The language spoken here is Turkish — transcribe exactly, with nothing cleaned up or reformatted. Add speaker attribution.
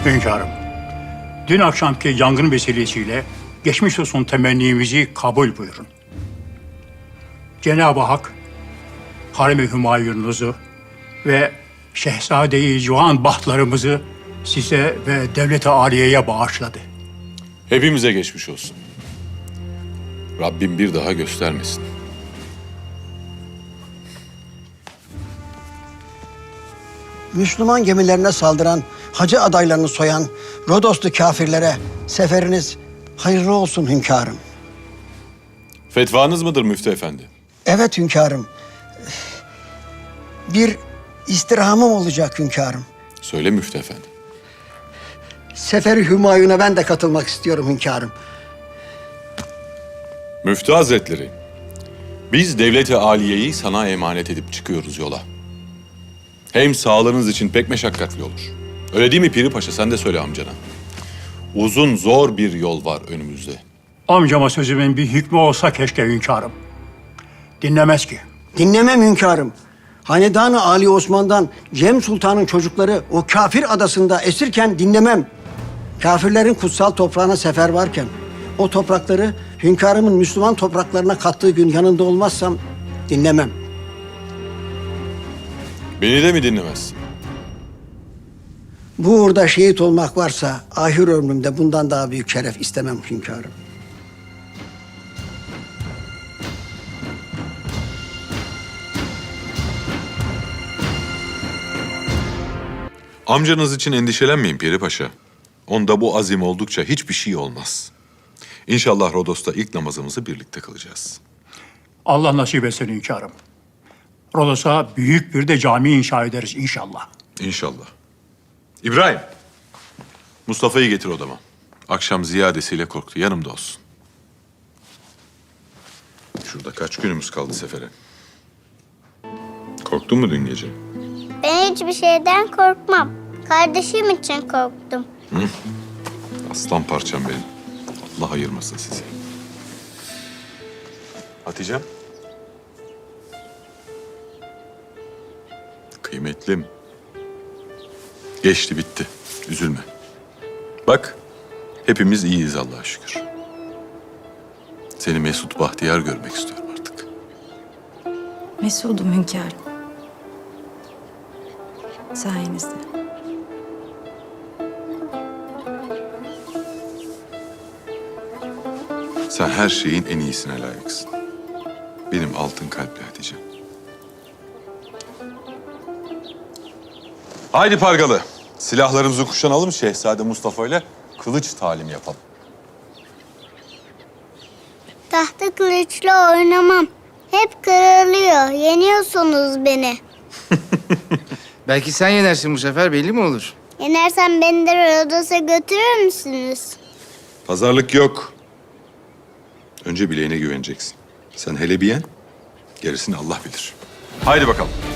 Speaker 1: Hünkârım, dün akşamki yangın vesilesiyle geçmiş olsun temennimizi kabul buyurun. Cenab-ı Hak, Harem-i Hümayununuzu ve Şehzade-i Civan bahtlarımızı size ve devlet-i âliyeye bağışladı.
Speaker 2: Hepimize geçmiş olsun. Rabbim bir daha göstermesin.
Speaker 3: Müslüman gemilerine saldıran, hacı adaylarını soyan Rodoslu kafirlere seferiniz hayırlı olsun hünkârım.
Speaker 2: Fetvanız mıdır Müftü Efendi?
Speaker 3: Evet hünkârım. Bir istirhamım olacak hünkârım.
Speaker 2: Söyle Müftü Efendi.
Speaker 3: Seferi Hümayun'a ben de katılmak istiyorum hünkârım.
Speaker 2: Müftü Hazretleri, biz devlet-i âliyeyi sana emanet edip çıkıyoruz yola. Hem sağlığınız için pek meşakkatli olur. Öyle değil mi Piri Paşa? Sen de söyle amcana. Uzun, zor bir yol var önümüzde.
Speaker 1: Amcama sözümün bir hükmü olsa keşke hünkârım. Dinlemez ki.
Speaker 3: Dinlemem hünkârım. Hanedan-ı Ali Osman'dan Cem Sultan'ın çocukları o kafir adasında esirken dinlemem. Kafirlerin kutsal toprağına sefer varken o toprakları hünkârımın Müslüman topraklarına kattığı gün yanında olmazsam dinlemem.
Speaker 2: Beni de mi dinlemezsin?
Speaker 3: Bu uğurda şehit olmak varsa ahir ömrümde bundan daha büyük şeref istemem hünkârım.
Speaker 2: Amcanız için endişelenmeyin Piri Paşa. Onda bu azim oldukça hiçbir şey olmaz. İnşallah Rodos'ta ilk namazımızı birlikte kılacağız.
Speaker 1: Allah nasip etsin hünkârım. Rodos'a büyük bir de cami inşa ederiz inşallah.
Speaker 2: İnşallah. İbrahim, Mustafa'yı getir odama. Akşam ziyadesiyle korktu. Yanımda olsun. Şurada kaç günümüz kaldı sefere? Korktun mu dün gece?
Speaker 4: Ben hiçbir şeyden korkmam. Kardeşim için korktum.
Speaker 2: Aslan parçam benim. Allah ayırmasın sizi. Hatice'm. Kıymetlim. Geçti bitti. Üzülme. Bak, hepimiz iyiyiz Allah'a şükür. Seni mesut bahtiyar görmek istiyorum artık.
Speaker 5: Mesudum hünkârım. Sayenizde.
Speaker 2: Sen her şeyin en iyisine layıksın. Benim altın kalpli Hatice'm. Haydi Pargalı. Silahlarımızı kuşanalım Şehzade Mustafa ile kılıç talim yapalım.
Speaker 4: Tahta kılıçla oynamam. Hep kırılıyor. Yeniyorsunuz beni.
Speaker 6: Belki sen yenersin bu sefer, belli mi olur?
Speaker 4: Yenersem beni de Rodos'a götürür müsünüz?
Speaker 2: Pazarlık yok. Önce bileğine güveneceksin. Sen hele bir yen, gerisini Allah bilir. Haydi bakalım.